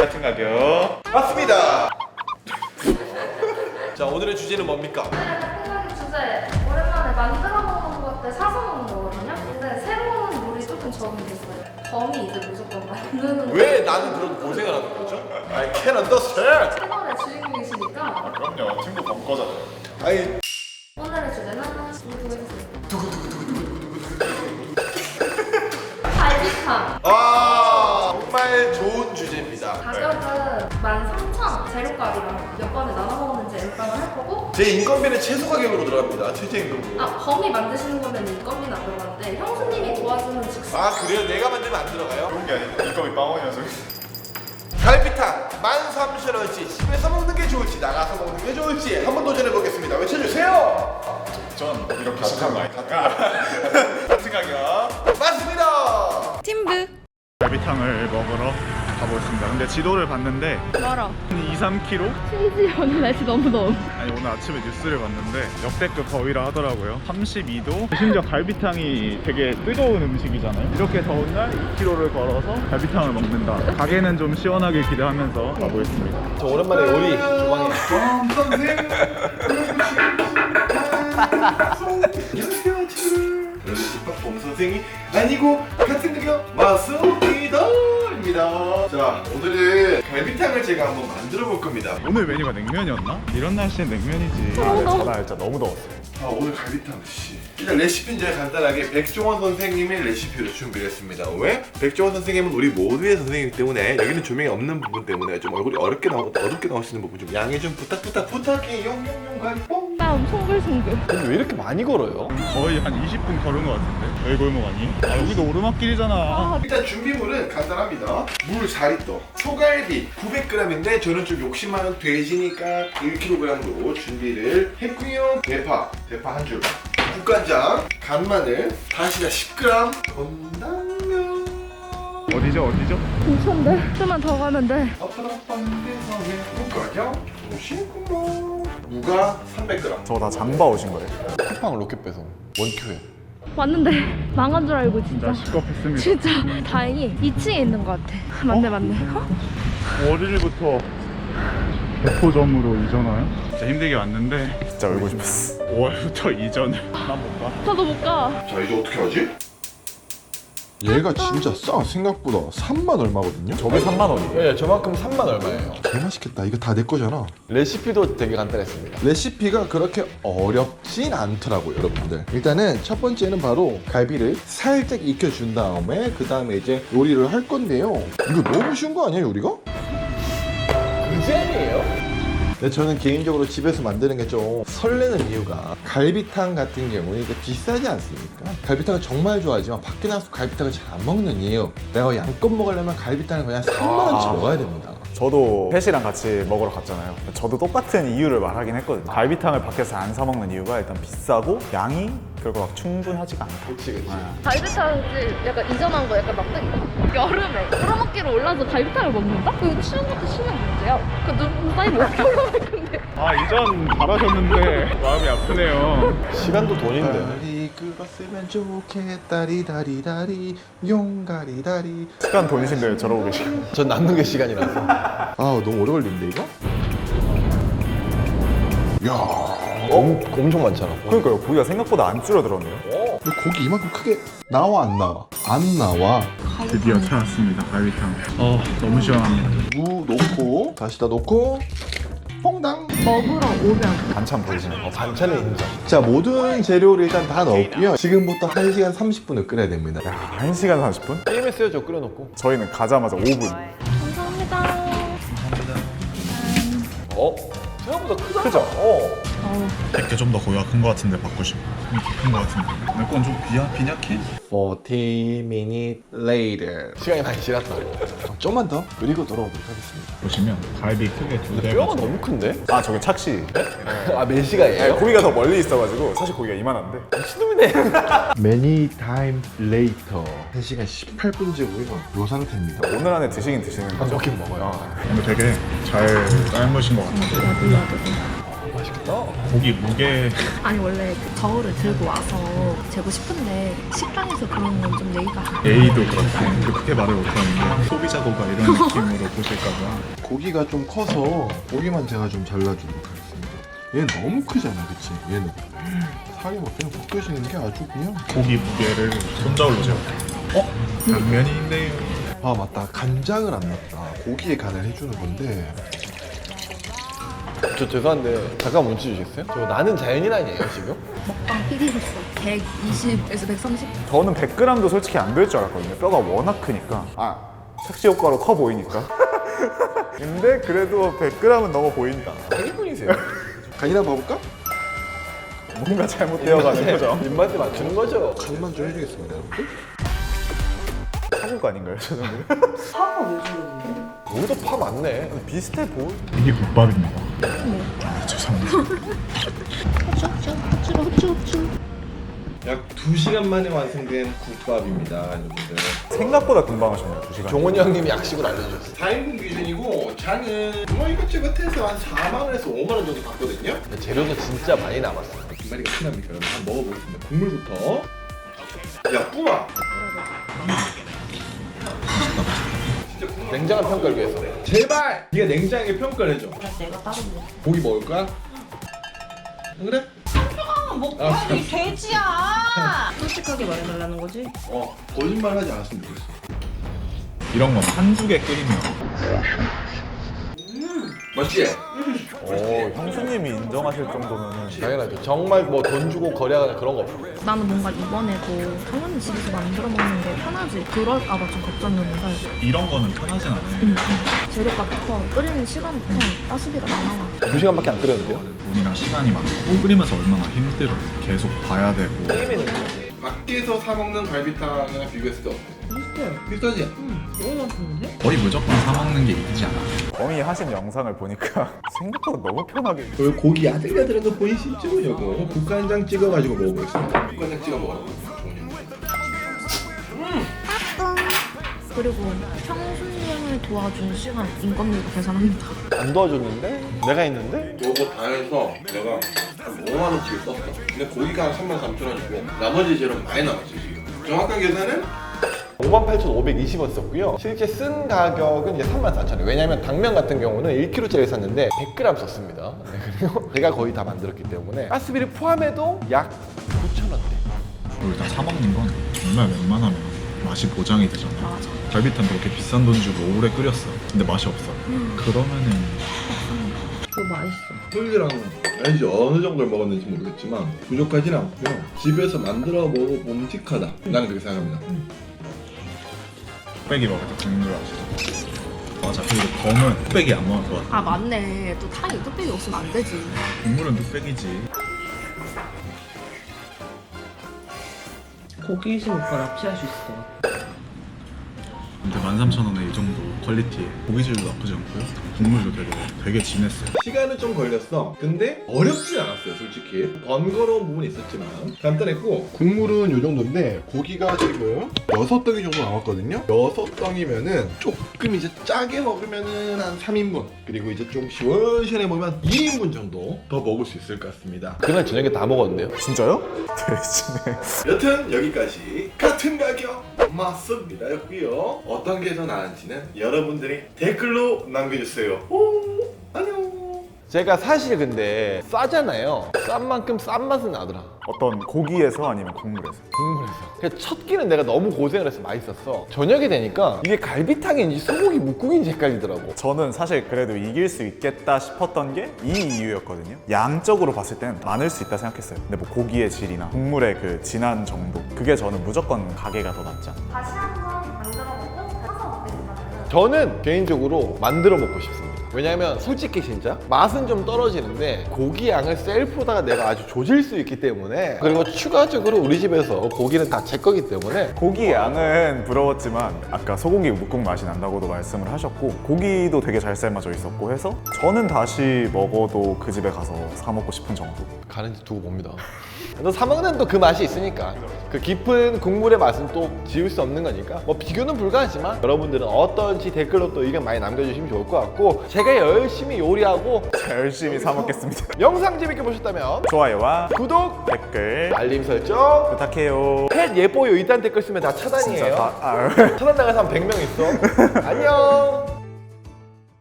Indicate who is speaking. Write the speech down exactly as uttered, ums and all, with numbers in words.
Speaker 1: 같은 가격 맞습니다.
Speaker 2: 자, 오늘의 주제는 뭡니까?
Speaker 3: 오늘의 생각의 주제 오랜만에 만들어 먹는 것들 사서 먹는 거거든요. 근데 새로운 요리 조금 적응이 됐어요. 범이 이제 무조건 만드는
Speaker 2: 왜 나는 그런 고생을 하는 거죠? I can't understand.
Speaker 3: 채널의 주인공이시니까
Speaker 1: 그럼요, 친구 범 거잖아요.
Speaker 2: 아니,
Speaker 3: 오늘의 주제는 두구두구 해주세요. 갈비탕.
Speaker 2: 아 정말 좋은 주제입니다.
Speaker 3: 가격은 만 삼천 원 재료값이랑 몇 번에 나눠 먹는지 일단은 할 거고,
Speaker 2: 제 인건비는 최소 가격으로 들어갑니다. 최저 임금으로.
Speaker 3: 아 범이 만드시는 거면 인건비는 안 들어가는데 형수님이 도와주는 즉시
Speaker 2: 아 그래요? 내가 만들면 안 들어가요?
Speaker 1: 그런 게 아니고 인건비 빵원이어서.
Speaker 2: 갈비탕 만 삼천 원치 집에서 먹는 게 좋을지 나가서 먹는 게 좋을지 한번 도전해 보겠습니다. 외쳐주세요.
Speaker 1: 전 이렇게 시간 많이 탔다. 같은 가격
Speaker 2: 맞습니다.
Speaker 3: 팀브.
Speaker 1: 갈비탕을 먹으러 가보겠습니다. 근데 지도를 봤는데
Speaker 3: 멀어.
Speaker 1: 한 이, 삼 킬로미터?
Speaker 3: 심지어 오늘 날씨 너무 더워.
Speaker 1: 아니 오늘 아침에 뉴스를 봤는데 역대급 더위라 하더라고요. 삼십이 도. 심지어 갈비탕이 되게 뜨거운 음식이잖아요. 이렇게 더운 날 이 킬로미터를 걸어서 갈비탕을 먹는다. 가게는 좀 시원하게 기대하면서 가보겠습니다.
Speaker 2: 저 오랜만에 요리 주방에. 안녕하세요 친구들. 저는 집밥범 선생이 아니고 같은 가격 마스오키더입니다. 자, 오늘은 갈비탕을 제가 한번 만들어 볼 겁니다.
Speaker 1: 오늘 메뉴가 냉면이었나? 이런 날씨엔 냉면이지.
Speaker 4: 전화 진짜 너무 더웠어요.
Speaker 2: 아, 오늘 갈비탕 씨. 일단 레시피는 제가 간단하게 백종원 선생님의 레시피로 준비를 했습니다. 왜? 백종원 선생님은 우리 모두의 선생님이기 때문에 여기는 조명이 없는 부분 때문에 좀 얼굴이 어렵게 나오, 어둡게 나올 수 있는 부분 좀 양해 좀 부탁 부탁 부탁해. 용용용 갈뽕.
Speaker 3: 땀 송글송글.
Speaker 4: 근데 왜 이렇게 많이 걸어요?
Speaker 1: 거의 한 이십 분 걸은 것 같은데. 여기 골목 아니? 아 여기도 오르막길이잖아.
Speaker 2: 일단 준비물은 간단합니다. 물 사 리터, 소갈비 구백 그램인데 저는 좀 욕심 많은 돼지니까 일 킬로그램으로 준비를 했고요. 대파, 대파 한 줄, 국간장, 간마늘, 다시다 십 그램, 건당면.
Speaker 1: 어디죠 어디죠?
Speaker 3: 괜찮은데? 좀만 더 가면 돼.
Speaker 2: 아빠라빠한데서의 국간장, 오십구만. 무가 삼백 그램.
Speaker 4: 저거 다 장봐 오신 거예요? 쿠팡 로켓 배송 원큐에.
Speaker 3: 왔는데 망한 줄 알고 진짜.
Speaker 1: 진짜 시겁했습니다.
Speaker 3: 진짜 다행히 이 층에 있는 것 같아. 맞네 맞네. 어?
Speaker 1: 월요일부터 대포점으로 이전와요? 진짜 힘들게 왔는데
Speaker 4: 진짜 울고 싶었어.
Speaker 1: 오월부터 이전을 난 못 가.
Speaker 3: 저도 못 가.
Speaker 2: 자, 이제 어떻게 하지?
Speaker 5: 얘가 진짜 싸. 생각보다 삼만 얼마거든요?
Speaker 4: 저게 삼만 원이에요.
Speaker 2: 네, 저만큼 삼만 얼마예요.
Speaker 5: 개 맛있겠다. 이거 다 내 거잖아.
Speaker 4: 레시피도 되게 간단했습니다.
Speaker 5: 레시피가 그렇게 어렵진 않더라고요, 여러분들. 일단은 첫 번째는 바로 갈비를 살짝 익혀준 다음에 그 다음에 이제 요리를 할 건데요. 이거 너무 쉬운 거 아니야, 요리가?
Speaker 2: 그잼이에요?
Speaker 5: 근데 저는 개인적으로 집에서 만드는 게 좀 설레는 이유가 갈비탕 같은 경우는 이게 비싸지 않습니까? 갈비탕을 정말 좋아하지만 밖에 나가서 갈비탕을 잘 안 먹는 이유. 내가 양껏 먹으려면 갈비탕을 그냥 삼만 원치 먹어야 됩니다.
Speaker 4: 저도 펫이랑 같이 먹으러 갔잖아요. 저도 똑같은 이유를 말하긴 했거든요. 갈비탕을 밖에서 안 사 먹는 이유가 일단 비싸고 양이 그리고 막 충분하지가 않다.
Speaker 2: 그치, 그치.
Speaker 3: 갈비탕집 약간 이전한 거 약간 막대기. 여름에 오르막길을 올라서 갈비탕을 먹는다? 그거 추운 것도 추운 문제야. 그 눈 쌓이면 어떻게 올라갈 건데?
Speaker 1: 아 이전 잘하셨는데 마음이 아프네요.
Speaker 4: 시간도 돈인데.
Speaker 5: 다리 그었으면 좋겠다 리다리다리 용가리다리.
Speaker 4: 시간 돈이신데 저러고 계시고.
Speaker 2: 전 남는 게 시간이라서.
Speaker 5: 아 너무 오래 걸리는데 이거? 야
Speaker 2: 어? 엄청 많잖아.
Speaker 4: 그러니까요. 고기가 생각보다 안 줄어들었네요.
Speaker 5: 근데 고기 이만큼 크게 나와 안 나와? 안 나와.
Speaker 1: 드디어 찾았습니다 갈비탕. 어 너무 시원합니다.
Speaker 5: 무 넣고 다시다 넣고 퐁당.
Speaker 3: 먹으러 오면
Speaker 4: 반찬 보이시는 거.
Speaker 2: 반찬의 인정.
Speaker 5: 자 모든 재료를 일단 다 넣었고요. 지금부터 한 시간 삼십 분을 끓여야 됩니다.
Speaker 4: 야, 한 시간 삼십 분?
Speaker 2: 게임했어요, 저 끓여놓고.
Speaker 4: 저희는 가자마자 오 분.
Speaker 3: 감사합니다.
Speaker 2: 어? 생각보다 크다.
Speaker 4: 그죠?
Speaker 2: 어.
Speaker 1: 내게 좀 더 고기가 큰 거 같은데 바꾸시면 큰거 같은데 내 건 좀 비야 빈약해?
Speaker 5: 사십 minutes later.
Speaker 2: 시간이 많이 지났다.
Speaker 5: 좀만 더 그리고 돌아오도록 하겠습니다.
Speaker 1: 보시면 갈비 크게 두 대.
Speaker 2: 뼈가 너무 큰데?
Speaker 4: 아 저게 착시.
Speaker 2: 아, 몇 시간이에요?
Speaker 4: 고기가 더 멀리 있어가지고 사실 고기가 이만한데.
Speaker 2: 미친놈이네.
Speaker 5: Many times later. 한 시간 십팔 분째고요. 요 상태입니다.
Speaker 4: 오늘 안에 드시긴 드시는 거죠?
Speaker 2: 먹긴 먹어요.
Speaker 4: 어.
Speaker 1: 근데 되게 잘 삶으신 것 같아요.
Speaker 2: 맛있겠다.
Speaker 1: 고기 무게
Speaker 3: 아니 원래 그 저울을 들고 와서 재고 싶은데 식당에서 그런 건 좀 예의가
Speaker 1: A도 그렇고 그렇게 말을 못하는데 소비자고가 이런 느낌으로 보실까봐.
Speaker 5: 고기가 좀 커서 고기만 제가 좀 잘라주도록 하겠습니다. 얘는 너무 크잖아, 그치? 얘는 살이 막 그냥 벗겨지는 게 아주 그냥.
Speaker 1: 고기 무게를 손저울로 재요. 어? 당면인데요.
Speaker 5: 아 맞다, 간장을 안 넣었다. 고기에 간을 해주는 건데.
Speaker 2: 저 죄송한데 잠깐 멈춰 주시겠어요? 저 나는 자연인 아니에요 지금?
Speaker 3: 먹방 피디로서 백이십에서 백삼십?
Speaker 4: 저는 백 그램도 솔직히 안 될 줄 알았거든요. 뼈가 워낙 크니까. 아, 착시 효과로 커 보이니까. 근데 그래도 백 그램은 넘어 보인다.
Speaker 2: 일본이세요?
Speaker 5: 간이나 봐볼까?
Speaker 4: 뭔가 잘못되어가는 거죠.
Speaker 2: 입맛에 맞추는 거죠.
Speaker 5: 간만 좀 해주겠습니다, 여러분들.
Speaker 4: 사줄 거 아닌가요, 저 정도?
Speaker 2: 여기도 파 많네.
Speaker 4: 비슷해 보여.
Speaker 1: 이게 국밥입니다. 아, 죄송합니다.
Speaker 3: 후추 후추 후추로 후추 후추.
Speaker 2: 약 두 시간 만에 완성된 국밥입니다, 여러분들.
Speaker 4: 생각보다 금방 하셨네요, 두 시간.
Speaker 2: 종원이 형님이 약식을 알려주셨어요. 사 인분 기준이고 장은 뭐 이것저것 해서 한 사만 원에서 오만 원 정도 받거든요. 재료도 진짜 많이 남았어요. 두 마리가 흔합니까? 여러분 한번 먹어보겠습니다. 국물부터. 야, 뿌마! 냉장한 평가를 위해서. 제발! 네가 냉장하게 평가를 해줘.
Speaker 3: 내가 따로 먹어.
Speaker 2: 고기 먹을까? 안 그래?
Speaker 6: 먹방이 돼지야. 솔직하게 말해달라는 거지?
Speaker 2: 어, 거짓말 하지 않았으면 좋겠어.
Speaker 1: 이런 건 한두 개 끓이면
Speaker 2: 맞지?
Speaker 4: 오, 형수님이 인정하실 정도면은.
Speaker 2: 당연하죠. 정말 뭐 돈 주고 거래하거나 그런 거 없어.
Speaker 3: 나는 뭔가 이번에도 당연히 집에서 만들어 먹는 게 편하지 그럴까봐 좀 걱정이었는데
Speaker 1: 이런 거는 편하진 않아요.
Speaker 3: 음. 재료값부터 끓이는 시간부터 가스비가 다 나와.
Speaker 2: 두 시간밖에 안 끓였는데요?
Speaker 1: 돈이랑 시간이 많고 끓이면서 얼마나 힘들어요. 계속 봐야 되고.
Speaker 2: 게임에는 밖에서 사 먹는 갈비탕이랑 비교했을 때 어때?
Speaker 6: 비슷해.
Speaker 2: 비슷하지?
Speaker 6: 응. 너무 맛있는데?
Speaker 1: 거의 무조건 사 먹는 게 이기지 않아.
Speaker 4: 범이 하신 영상을 보니까 생각보다 너무 편하게.
Speaker 2: 그 고기 야들야들한 거 보이시죠? 이거 국간장 찍어가지고 먹어보겠습니다. 국간장 찍어 먹어요.
Speaker 3: 그리고 형수님을 도와준 시간 인건비도 계산합니다.
Speaker 2: 안 도와줬는데? 내가 있는데? 요거 다 해서 내가 한 오만 원치를 썼어. 근데 고기가 한 삼만 삼천 원이고 나머지 재료 많이 남았지 지금. 정확한 계산은 오만 팔천오백이십 원 썼고요. 실제 쓴 가격은 이제 삼만 사천 원. 왜냐면 당면 같은 경우는 일 킬로그램짜리 샀는데 백 그램 썼습니다. 네, 그리고 제가 거의 다 만들었기 때문에 가스비를 포함해도 약 구천 원대.
Speaker 1: 그걸 다 사 먹는 건 정말 웬만하면 맛이 보장이 되잖아요.
Speaker 3: 맞아.
Speaker 1: 갈비탕 그렇게 비싼 돈 주고 오래 끓였어. 근데 맛이 없어.
Speaker 3: 음.
Speaker 1: 그러면은
Speaker 6: 그거 맛있어.
Speaker 2: 소율이랑 알지 어느 정도를 먹었는지 모르겠지만 부족하진 않고요. 집에서 만들어 먹어 봄직하다. 나는 그렇게 생각합니다.
Speaker 1: 뚝배기 먹을 때 국물 아시죠? 맞아. 그리고 검은 뚝배기 안 먹을 것 같아.
Speaker 3: 아 맞네. 또 탕이 뚝배기 없으면 안 되지.
Speaker 1: 국물은 뚝배기지.
Speaker 6: 고기심 오빠 납치할 수 있을 것 같아.
Speaker 1: 근데 만 삼천 원에 이 정도 퀄리티에 고기질도 나쁘지 않고요. 국물도 되게 되게 진했어요.
Speaker 2: 시간은 좀 걸렸어. 근데 어렵진 않았어요, 솔직히. 번거로운 부분이 있었지만 간단했고 국물은 요 정도인데 고기가 지금 여섯 덩이 정도 남았거든요. 여섯 덩이면은 조금 이제 짜게 먹으면은 한 삼 인분 그리고 이제 좀 시원시원해 먹으면 이 인분 정도 더 먹을 수 있을 것 같습니다. 그날 저녁에 다 먹었는데요.
Speaker 4: 진짜요? 대신에.
Speaker 2: 여튼 여기까지 같은 가격 맞습니다 였고요. 어떤 게 더 나은지는 여러분들이 댓글로 남겨주세요. 오, 안녕. 제가 사실 근데 싸잖아요. 싼 만큼 싼 맛은 나더라.
Speaker 4: 어떤 고기에서 아니면 국물에서?
Speaker 2: 국물에서. 그래서 첫 끼는 내가 너무 고생을 해서 맛있었어. 저녁에 되니까 이게 갈비탕인지 소고기 묵국인지 헷갈리더라고.
Speaker 4: 저는 사실 그래도 이길 수 있겠다 싶었던 게 이 이유였거든요. 양적으로 봤을 때는 많을 수 있다 생각했어요. 근데 뭐 고기의 질이나 국물의 그 진한 정도, 그게 저는 무조건 가게가 더 낫지 않나.
Speaker 3: 다시 한번 만들어 먹고 사서 먹겠습니다.
Speaker 2: 저는 개인적으로 만들어 먹고 싶습니다. 왜냐면 솔직히 진짜 맛은 좀 떨어지는데 고기 양을 셀프로다가 내가 아주 조질 수 있기 때문에, 그리고 추가적으로 우리 집에서 고기는 다 제 거기 때문에
Speaker 4: 고기 양은 부러웠지만 아까 소고기 묵국 맛이 난다고도 말씀을 하셨고 고기도 되게 잘 삶아져 있었고 해서 저는 다시 먹어도 그 집에 가서 사 먹고 싶은 정도.
Speaker 2: 가는지 두고 봅니다. 또 사먹는 또 그 맛이 있으니까 그 깊은 국물의 맛은 또 지울 수 없는 거니까 뭐 비교는 불가하지만 여러분들은 어떤지 댓글로 또 의견 많이 남겨주시면 좋을 것 같고, 제가
Speaker 5: 제가 열심히 요리하고
Speaker 4: 열심히 사 먹겠습니다.
Speaker 5: 영상 재밌게 보셨다면
Speaker 4: 좋아요와
Speaker 5: 구독,
Speaker 4: 댓글
Speaker 5: 알림 설정.
Speaker 4: 부탁해요.
Speaker 5: 펫 예뻐요 이딴 댓글 쓰면 다
Speaker 4: 진짜
Speaker 5: 차단이에요.
Speaker 4: 다 아,
Speaker 5: 차단 당한 사람 백 명 있어. 안녕.